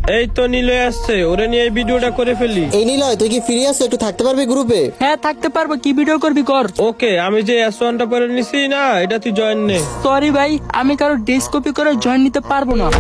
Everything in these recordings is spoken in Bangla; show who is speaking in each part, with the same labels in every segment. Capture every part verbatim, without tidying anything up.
Speaker 1: এই তো নিলয় আসছে, ওরে নিয়ে এই ভিডিওটা করে ফেলি।
Speaker 2: এই নিলয়, তুই কি ফিরে আসছো? একটু থাকতে পারবি গ্রুপে?
Speaker 3: হ্যাঁ থাকতে পারবো, কি ভিডিও করবি কর।
Speaker 1: ওকে, আমি যে এস ওয়ানটা পরে নিছি না, এটা তুই জয়েন নে।
Speaker 3: সরি ভাই, আমি কারো ড্রেস কপি করে জয়েন নিতে পারবো না।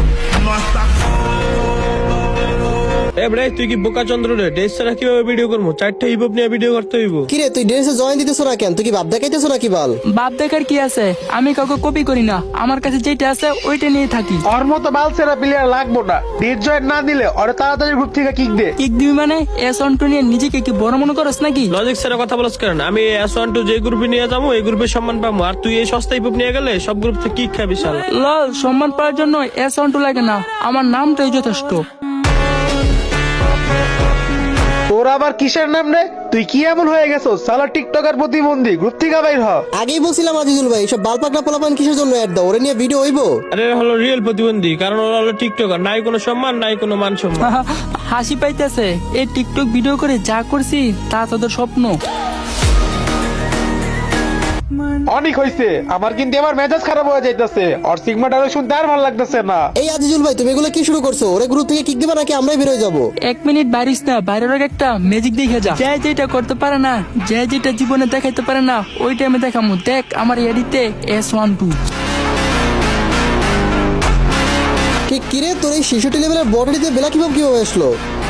Speaker 1: এ ভাই, তুই কি বোকা চন্দ্র রে? ড্রেস ছাড়া কিভাবে ভিডিও করবো? চারটা হিপ হপ নিয়ে ভিডিও করতে হইব।
Speaker 2: কিরে, তুই ড্রেসে জয়েন দিতেছো না কেন? তুই কি ভাব দেখাইতেছো নাকি বাল?
Speaker 3: বাপ দেখার কি আছে, আমি কাউকে কপি করি না, আমার কাছে যেটা আছে ওইটা নিয়ে থাকি।
Speaker 4: ওর মতো বালসেরা প্লেয়ার লাগবো না। ডেট জয়েন না দিলে ওরে তাড়াতাড়ি গ্রুপ থেকে কিক দে।
Speaker 3: কিক দিবি মানে? এস অন্টু নিয়ে নিজেকে কি বড় মনে করস নাকি?
Speaker 1: লজিক ছাড়া কথা বলছ কেন? আমি এস ওয়ান টু যে গ্রুপে নিয়ে যাবো, এই গ্রুপে সম্মান পাবো, আর তুই এই সস্তা হিপ হপ নিয়ে গেলে সব গ্রুপ থেকে কি খাবি শালা?
Speaker 3: লল, সম্মান পাওয়ার জন্য এস অন্টু লাগে না, আমার নামটাই যথেষ্ট।
Speaker 4: তোর আবার কিসের নাম রে? তুই কি এমন হয়ে গেছো সালা টিকটকার প্রতিবন্ধী? গ্রুপ থেকে বাইর হ।
Speaker 2: আগেই বলছিলাম আজিজুল ভাই, সব বাল পাকনা পোলাপান কিসের জন্য অ্যাড দাও? ওরে নিয়ে ভিডিও হইব?
Speaker 1: আরে হলো রিয়েল প্রতিবন্ধী, কারণ ওরা হলো টিকটকার, নাই কোনো সম্মান নাই কোনো মান সম্মান।
Speaker 3: হাসি পাইতেছে, এই টিকটক ভিডিও করে যা করছি তা তোদের স্বপ্ন।
Speaker 4: অনেক হইছে, আমার কিন্তু এবার মেজাজ খারাপ হয়ে যাইতেছে। আর সিগমা ডায়লগ শুনতে আর ভালো লাগতেছে না।
Speaker 2: এই আজিজুল ভাই, তুমি এগুলো কি শুরু করছো? ওরে গ্রুপ থেকে কিক দিবা নাকি আমরাই বের হয়ে যাবো?
Speaker 3: এক মিনিট বাড়িস না, বাইরের আগে একটা ম্যাজিক দেখে যা। যে যেটা করতে পারে না, যে যেটা জীবনে দেখাইতে পারে না, ওই টাইমে দেখামু। দেখ আমার এডিতে এস ওয়ান টু।
Speaker 2: ঠিক কিরে, তোর এই শিশুটি লেভেলের বডিতে বেলা কিভাবে কিভাবে আসলো?